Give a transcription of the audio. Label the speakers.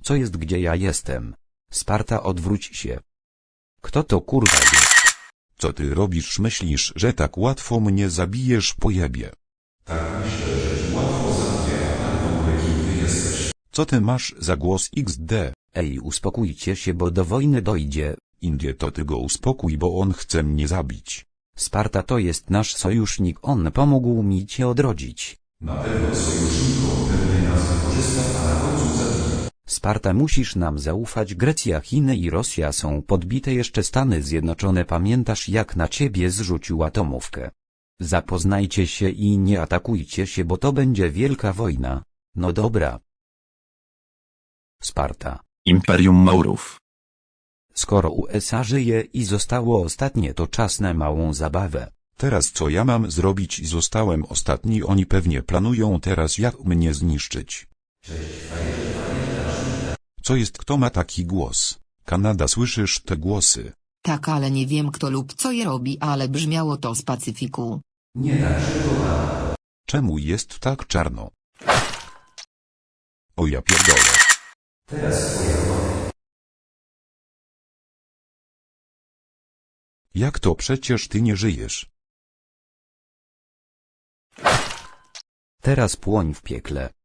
Speaker 1: Co jest, gdzie ja jestem? Sparta, odwróć się. Kto to kurwa jest?
Speaker 2: Co ty robisz? Myślisz, że tak łatwo mnie zabijesz, pojebie?
Speaker 3: Tak myślę, że ci łatwo zabiję, ale w ogóle kim ty jesteś?
Speaker 2: Co ty masz za głos XD?
Speaker 1: Ej, uspokójcie się, bo do wojny dojdzie.
Speaker 2: Indie, to ty go uspokój, bo on chce mnie zabić.
Speaker 1: Sparta to jest nasz sojusznik, on pomógł mi cię odrodzić.
Speaker 3: Na pewno sojuszniku pewnie nas wykorzysta, a na końcu zabije.
Speaker 1: Sparta, musisz nam zaufać. Grecja, Chiny i Rosja są podbite, jeszcze Stany Zjednoczone. Pamiętasz, jak na ciebie zrzucił atomówkę? Zapoznajcie się i nie atakujcie się, bo to będzie wielka wojna. No dobra. Sparta.
Speaker 4: Imperium Maurów.
Speaker 1: Skoro USA żyje i zostało ostatnie, to czas na małą zabawę.
Speaker 2: Teraz co ja mam zrobić? Zostałem ostatni, oni pewnie planują teraz jak mnie zniszczyć. Co jest, kto ma taki głos? Kanada, słyszysz te głosy?
Speaker 5: Tak, ale nie wiem kto lub co je robi, ale brzmiało to z Pacyfiku.
Speaker 3: Nie tak szybko.
Speaker 2: Czemu jest tak czarno? O ja pierdolę.
Speaker 3: Teraz twoja kolej.
Speaker 2: Jak to, przecież ty nie żyjesz?
Speaker 1: Teraz płoń w piekle.